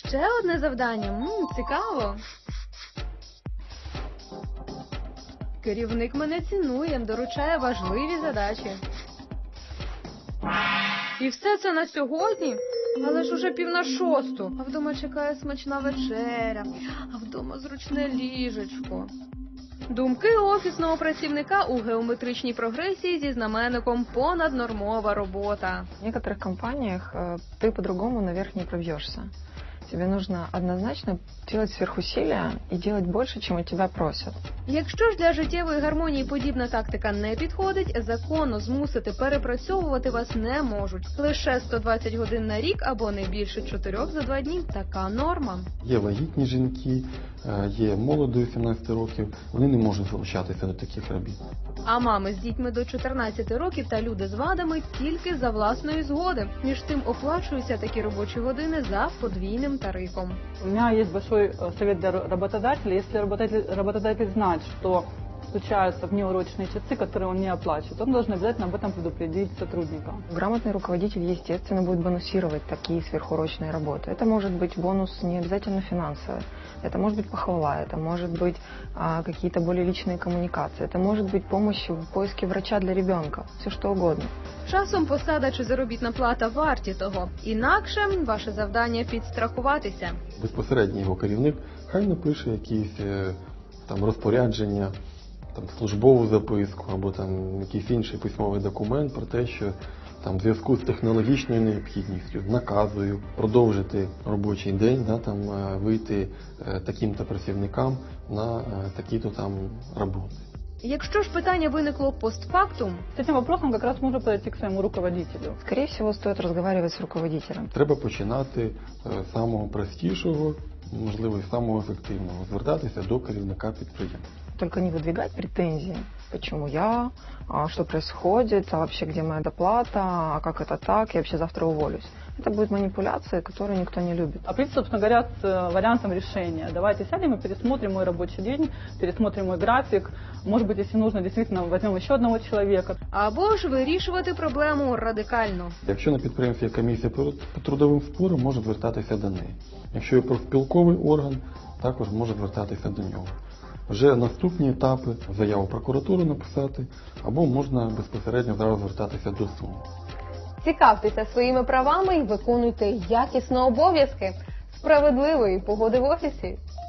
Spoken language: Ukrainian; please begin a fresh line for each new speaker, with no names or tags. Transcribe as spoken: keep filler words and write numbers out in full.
Ще одне завдання. Мм, цікаво. Керівник мене цінує, доручає важливі задачі. І все це на сьогодні? Але ж уже пів на шосту. А вдома чекає смачна вечеря. А вдома зручне ліжечко. Думки офісного працівника у геометричній прогресії зі знаменником «понаднормова робота».
В некоторых компаниях э, ты по-другому наверх не пробьешься. Тебе нужно однозначно делать сверхусилия и делать больше, чем от тебя просят.
Якщо ж для життєвої гармонії подібна тактика не підходить, законно змусити перепрацьовувати вас не можуть. Лише сто двадцять годин на рік або не більше чотирьох за два дні – така норма.
Є вагітні жінки, є молодої сімнадцяти років, вони не можуть залучатися до таких робіт.
А мами з дітьми до чотирнадцяти років та люди з вадами тільки за власної згоди. Між тим оплачуються такі робочі години за подвійним тарифом.
У меня есть большой э, совет для работодателя. Если работодатель, работодатель знает, что случаются внеурочные часы, которые он не оплачивает, он должен обязательно об этом предупредить сотрудника.
Грамотный руководитель, естественно, будет бонусировать такие сверхурочные работы. Это может быть бонус не обязательно финансовый, это может быть похвала, это может быть а, какие-то более личные коммуникации, это может быть помощь в поиске врача для ребенка, все что угодно.
Часом посада чи заробітна плата варті того. Інакше ваше завдання підстрахуватися.
Безпосередньо його керівник хай напише якісь е, там розпорядження, там службову записку або там якийсь інший письмовий документ про те, що там в зв'язку з технологічною необхідністю наказую продовжити робочий день, да, там е, вийти е, таким-то працівникам на е, такі-то там роботи.
Якщо ж питання виникло постфактум,
С этим вопросом как раз можно подойти к своему руководителю.
Скорее всего, стоит разговаривать с руководителем.
Треба починати е, з самого простішого, можливо, і самого ефективного, звертатися до керівника підприємства.
Только не выдвигать претензии. Почему я? А что происходит? А вообще где моя доплата? А как это так? Я вообще завтра уволюсь. Это будет манипуляция, которую никто не любит.
А прийти, собственно говоря, с э, вариантом решения. Давайте сядем и пересмотрим мой рабочий день, пересмотрим мой график. Может быть, если нужно, действительно возьмем еще одного человека.
або ж вирішувати проблему радикально.
Якщо на підприємстві є комісія по по трудовим спорам, може звертатися до неї. Якщо є профспілковий орган, також може звертатися до нього. Вже наступні етапи заяву в прокуратуру написати, або можна безпосередньо зараз звертатися до суду.
Цікавтеся своїми правами і виконуйте якісно обов'язки. Справедливої погоди в офісі!